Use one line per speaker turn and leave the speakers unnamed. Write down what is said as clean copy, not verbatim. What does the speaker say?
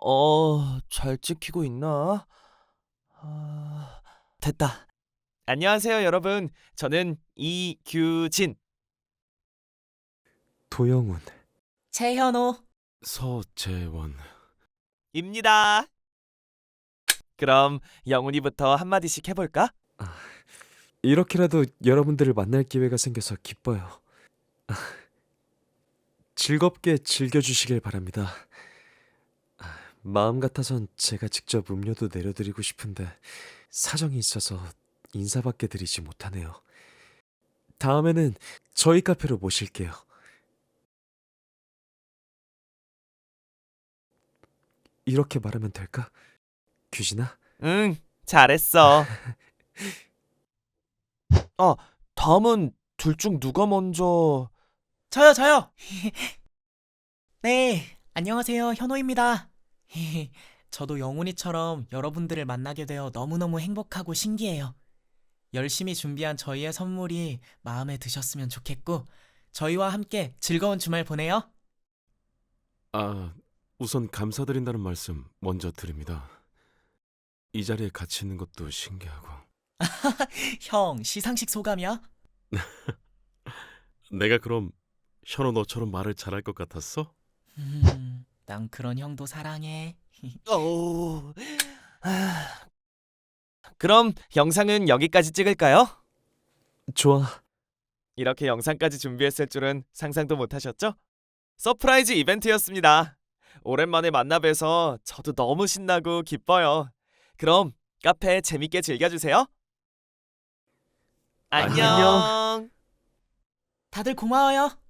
잘 찍히고 있나? 됐다. 안녕하세요, 여러분. 저는 이규진.
도영훈,
최현호.
서재원.
입니다. 그럼 영훈이부터 한마디씩 해볼까?
이렇게라도 여러분들을 만날 기회가 생겨서 기뻐요. 즐겁게 즐겨주시길 바랍니다. 마음 같아선 제가 직접 음료도 내려드리고 싶은데 사정이 있어서 인사밖에 드리지 못하네요. 다음에는 저희 카페로 모실게요. 이렇게 말하면 될까? 규진아?
응, 잘했어. 다음은 둘 중 누가 먼저...
저요. 네, 안녕하세요. 현호입니다. 저도 영훈이처럼 여러분들을 만나게 되어 너무너무 행복하고 신기해요. 열심히 준비한 저희의 선물이 마음에 드셨으면 좋겠고, 저희와 함께 즐거운 주말 보내요.
우선 감사드린다는 말씀 먼저 드립니다. 이 자리에 같이 있는 것도 신기하고.
형, 시상식 소감이야?
내가 그럼 현호 너처럼 말을 잘할 것 같았어?
난 그런 형도 사랑해.
오... 그럼 영상은 여기까지 찍을까요?
좋아.
이렇게 영상까지 준비했을 줄은 상상도 못하셨죠? 서프라이즈 이벤트였습니다. 오랜만에 만나 뵈서 저도 너무 신나고 기뻐요. 그럼 카페 재밌게 즐겨주세요. 안녕.
다들 고마워요.